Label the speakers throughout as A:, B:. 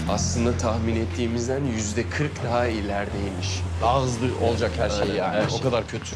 A: Aslında tahmin ettiğimizden %40 daha ilerideymiş.
B: Daha hızlı olacak her şey
A: Aynen,
B: yani.
A: her şey.
B: O kadar kötü.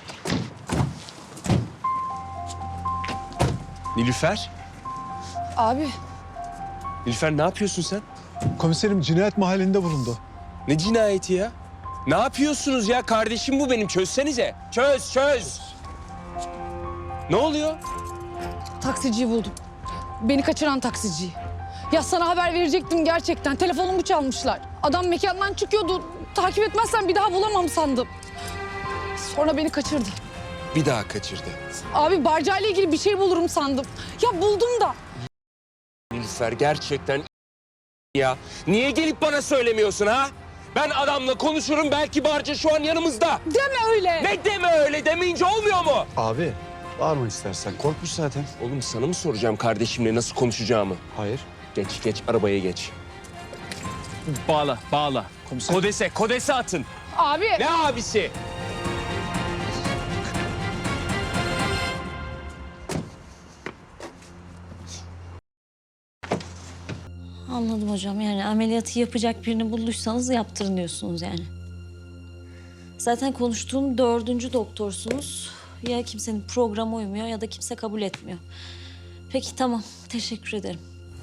A: Nilüfer?
C: Abi
A: Nilüfer ne yapıyorsun sen?
D: Komiserim cinayet mahallinde bulundu.
A: Ne cinayeti ya? Ne yapıyorsunuz ya? Kardeşim bu benim. Çözsenize. Çöz. Ne oluyor?
C: taksiciyi buldum. Beni kaçıran taksiciyi. Ya sana haber verecektim gerçekten. Telefonumu çalmışlar. Adam mekandan çıkıyordu. Takip etmezsen bir daha bulamam sandım. Sonra beni kaçırdı.
A: Bir daha kaçırdı.
C: Abi barcayla ilgili bir şey bulurum sandım. Ya buldum da.
A: Nilüfer gerçekten ya. Niye gelip bana söylemiyorsun ha? Ben adamla konuşurum, belki Barca şu an yanımızda.
C: Deme öyle.
A: Ne deme öyle, demeyince olmuyor mu?
D: Abi bağırma istersen. Korkmuş zaten.
A: Oğlum sana mı soracağım kardeşimle nasıl konuşacağımı?
D: Hayır.
A: Geç arabaya geç. Bağla.
D: Komiser.
A: Kodese atın.
C: Abi.
A: Ne abisi?
E: Anladım hocam. Yani ameliyatı yapacak birini bulduysanız yaptırın diyorsunuz yani. Zaten konuştuğum 4. doktorsunuz. Ya kimsenin programı uymuyor ya da kimse kabul etmiyor. Peki tamam. Teşekkür ederim.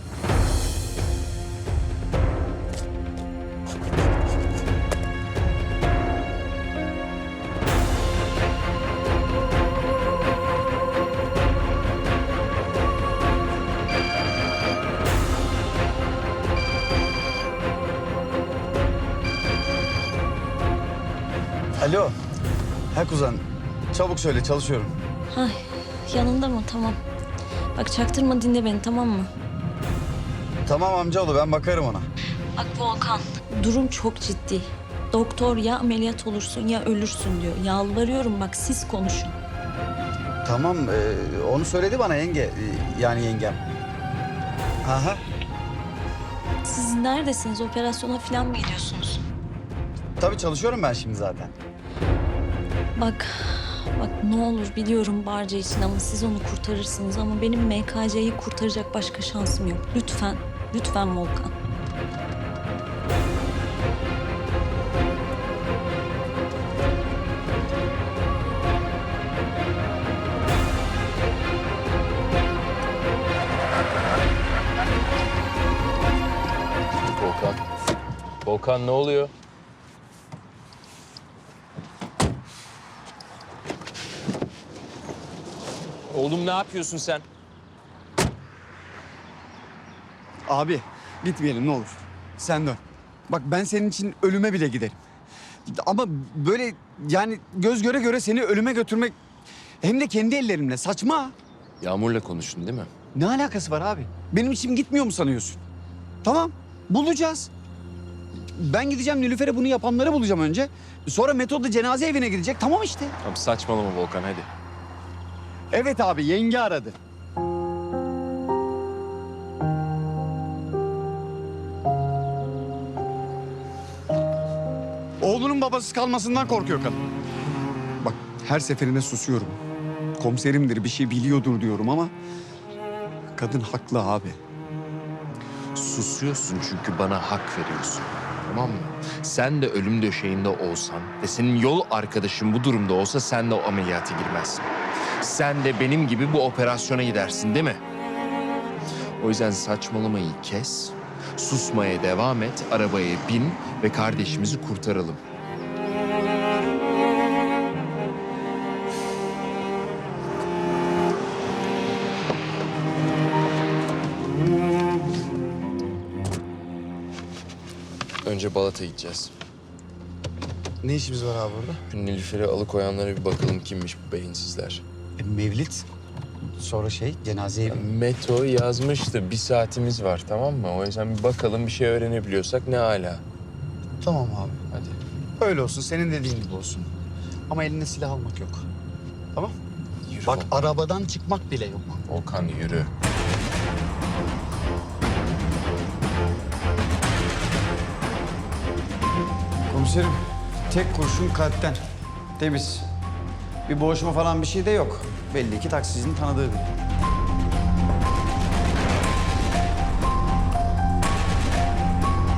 F: Alo. Ha kuzen. Çabuk söyle çalışıyorum.
E: Ay yanında mı? Tamam. Bak çaktırma dinle beni tamam mı?
F: Tamam amcaoğlu ben bakarım ona.
E: Bak Volkan. Durum çok ciddi. Doktor ya ameliyat olursun ya ölürsün diyor. Yalvarıyorum bak siz konuşun.
F: Tamam onu söyledi bana yenge. Yani yengem. Aha.
E: Siz neredesiniz? Operasyona falan mı gidiyorsunuz?
F: Tabii çalışıyorum ben şimdi zaten.
E: Bak ne olur biliyorum Barca için ama siz onu kurtarırsınız ama benim MKC'yi kurtaracak başka şansım yok. Lütfen Volkan.
A: Volkan ne oluyor? Oğlum ne yapıyorsun sen?
F: Abi gitmeyelim ne olur. Sen dön. Bak ben senin için ölüme bile giderim. Ama böyle yani göz göre göre seni ölüme götürmek hem de kendi ellerimle saçma.
A: Yağmur'la konuştun değil mi?
F: Ne alakası var abi? Benim içim gitmiyor mu sanıyorsun? Tamam bulacağız. Ben gideceğim Nilüfer'e bunu yapanları bulacağım önce. Sonra Metod da cenaze evine gidecek. Tamam işte.
A: Tamam saçmalama Volkan hadi.
F: Evet abi yenge aradı. Oğlunun babasız kalmasından korkuyor kadın. Bak her seferinde susuyorum. Komiserimdir bir şey biliyordur diyorum ama kadın haklı abi.
G: Susuyorsun çünkü bana hak veriyorsun. Tamam mı? Sen de ölüm döşeğinde olsan ve senin yol arkadaşın bu durumda olsa sen de o ameliyata girmezsin. Sen de benim gibi bu operasyona gidersin değil mi? O yüzden saçmalamayı kes, susmaya devam et, arabaya bin ve kardeşimizi kurtaralım.
A: Önce Balat'a gideceğiz.
F: Ne işimiz var abi burada?
A: Şu Nilüfer'i alıkoyanlara bir bakalım kimmiş bu beyinsizler.
F: Mevlit. Sonra cenaze evi.
A: Meto yazmıştı. 1 saatimiz var tamam mı? O yüzden bir bakalım bir şey öğrenebiliyorsak ne âlâ.
F: Tamam abi.
A: Hadi.
F: Öyle olsun senin dediğin gibi olsun. Ama elinde silah almak yok. Tamam?
A: Yürü
F: Bak
A: Volkan.
F: arabadan çıkmak bile yok.
A: Volkan yürü.
F: Komiserim tek kurşun kalpten. Temiz. Bir boğuşma falan bir şey de yok. Belli ki taksicinin tanıdığı biri.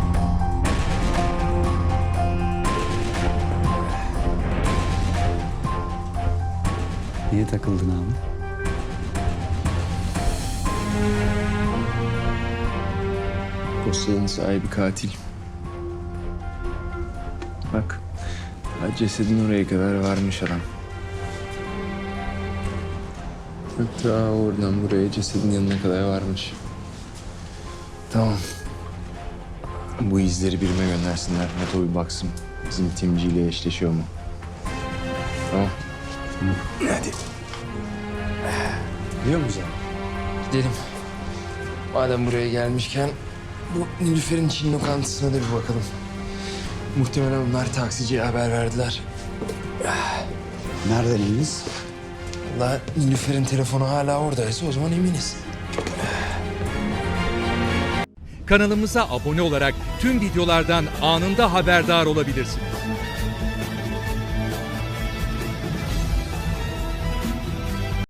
F: Neye takıldın abi?
G: Dosyanın sahibi katil. Bak, cesedin oraya kadar varmış adam. Hatta oradan buraya cesedin yanına kadar varmış. Tamam. Bu izleri birime göndersinler. Neto bir baksın. Bizim timciyle eşleşiyor mu? Tamam. Hadi.
F: Biliyor musun?
G: Gidelim. Madem buraya gelmişken bu Nilüfer'in Çin lokantasına da bir bakalım. Muhtemelen onlar taksiciye haber verdiler.
F: Nereden eminiz?
G: Vallahi Nilüfer'in telefonu hala oradaysa o zaman eminiz.
H: Kanalımıza abone olarak tüm videolardan anında haberdar olabilirsiniz.